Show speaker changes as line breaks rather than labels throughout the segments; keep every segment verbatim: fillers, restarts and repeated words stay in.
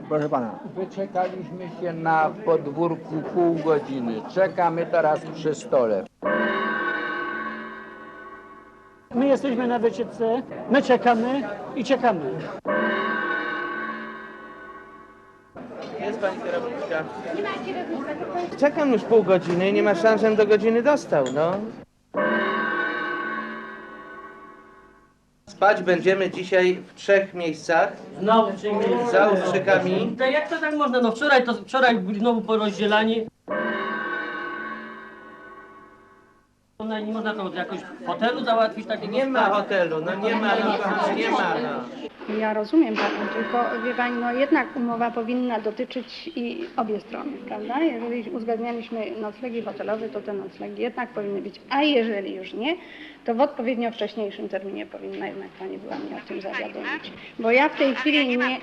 Proszę pana.
Wyczekaliśmy się na podwórku pół godziny. Czekamy teraz przy stole.
My jesteśmy na wycieczce, my czekamy i czekamy.
Jest pani kierowniczka. Czekam już pół godziny i nie ma szans, żebym do godziny dostał, no. Spać będziemy dzisiaj w trzech miejscach.
Znowu
Za Ustrzykami.
To jak to tak można? No wczoraj to wczoraj byli znowu porozdzielani. No, nie można to jakoś w hotelu załatwić takiego.
Nie ma hotelu, no nie ma, no, nie ma, no.
Ja rozumiem panią, tylko wie pani, no jednak umowa powinna dotyczyć i obie strony, prawda? Jeżeli uzgadnialiśmy noclegi hotelowe, to te noclegi jednak powinny być, a jeżeli już nie, to w odpowiednio wcześniejszym terminie powinna jednak pani była mnie o tym zawiadomić. Bo ja w tej chwili nie...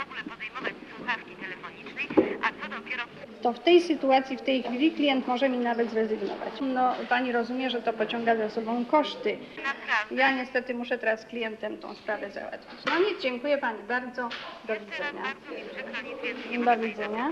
To w tej sytuacji, w tej chwili klient może mi nawet zrezygnować. No pani rozumie, że to pociąga za sobą koszty. Ja niestety muszę teraz z klientem tą sprawę załatwić. No nic, dziękuję pani bardzo. Do widzenia. Do widzenia.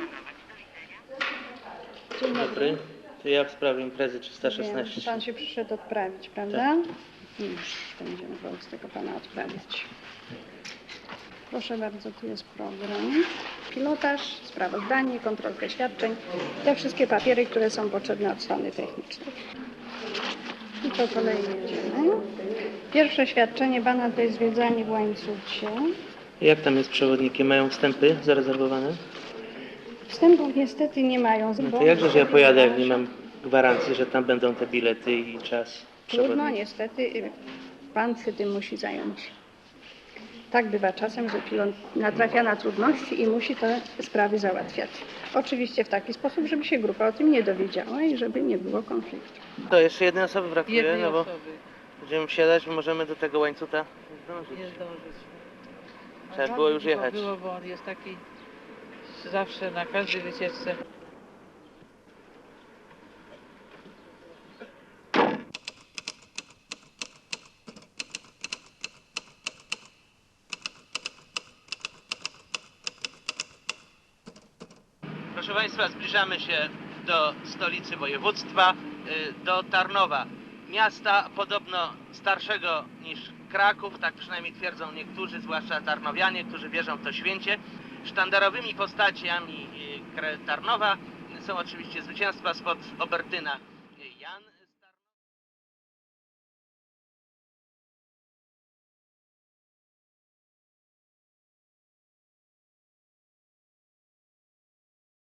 Dzień
Dobry. To ja w sprawie imprezy trzysta
Wiem,
szesnaście.
pan się przyszedł odprawić, prawda? Już będziemy wobec tego pana odprawić. Proszę bardzo, tu jest program, pilotaż, sprawozdanie, kontrolkę świadczeń, te wszystkie papiery, które są potrzebne od strony technicznej. I po kolei jedziemy. Pierwsze świadczenie pana to jest zwiedzanie w łańcucie.
Jak tam jest przewodnikiem? Mają wstępy zarezerwowane?
Wstępów niestety nie mają.
No to jakżeż ja pojadę, jak nie mam gwarancji, że tam będą te bilety i czas
Trudno,
przewodnika?
niestety pan się tym musi zająć. Tak bywa czasem, że pilot natrafia na trudności i musi te sprawy załatwiać. Oczywiście w taki sposób, żeby się grupa o tym nie dowiedziała i żeby nie było konfliktu.
To jeszcze jednej osoby brakuje,
Jednej
no bo
osoby
będziemy wsiadać, możemy do tego łańcucha zdążyć.
nie zdążyć.
Trzeba było już jechać.
Było, bo on jest taki zawsze na każdej wycieczce.
Proszę Państwa, zbliżamy się do stolicy województwa, do Tarnowa. Miasta podobno starszego niż Kraków, tak przynajmniej twierdzą niektórzy, zwłaszcza tarnowianie, którzy wierzą w to święcie. Sztandarowymi postaciami Tarnowa są oczywiście zwycięstwa spod Obertyna.